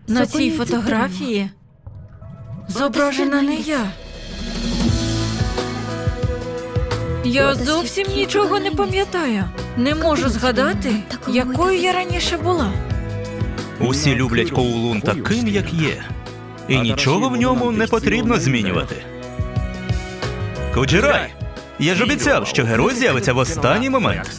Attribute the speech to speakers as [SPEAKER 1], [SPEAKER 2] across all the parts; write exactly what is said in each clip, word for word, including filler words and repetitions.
[SPEAKER 1] На цій фотографії зображена не я. Я зовсім нічого не пам'ятаю. Не можу згадати, якою я раніше була.
[SPEAKER 2] Усі люблять Коулун таким, як є. І нічого в ньому не потрібно змінювати. Куджирай! Я ж обіцяв, що герой з'явиться в останній момент.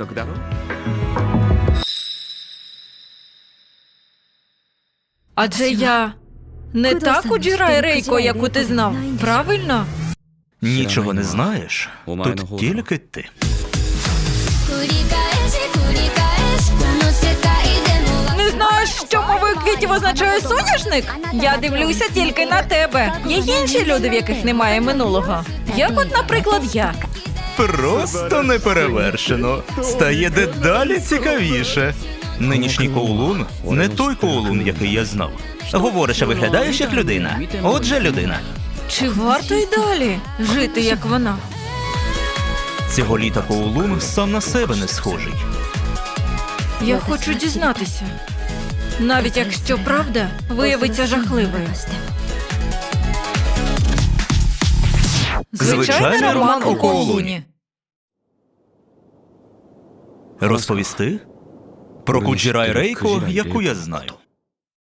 [SPEAKER 1] Адже я не та Куджирай Рейко, яку ти знав, правильно?
[SPEAKER 2] Нічого не знаєш, тут тільки ти.
[SPEAKER 3] 繰り返し繰り返しこの世界でも
[SPEAKER 1] Не знаєш, що мовою квітів означає соняшник? Я дивлюся тільки на тебе. Є інші люди, в яких немає минулого. Як от, наприклад, я.
[SPEAKER 2] Просто неперевершено. Стає дедалі цікавіше. Нинішній Коулун не той Коулун, який я знав. Говориш, а виглядаєш як людина. Отже, людина.
[SPEAKER 1] Чи варто й далі жити, як вона?
[SPEAKER 2] Цього літа Коулун сам на себе не схожий.
[SPEAKER 1] Я хочу дізнатися. Навіть якщо правда виявиться жахливою. Звичайний
[SPEAKER 2] Звичайний
[SPEAKER 1] роман у Коулуні.
[SPEAKER 2] Розповісти? Про Куджирай Рейко, яку я знаю.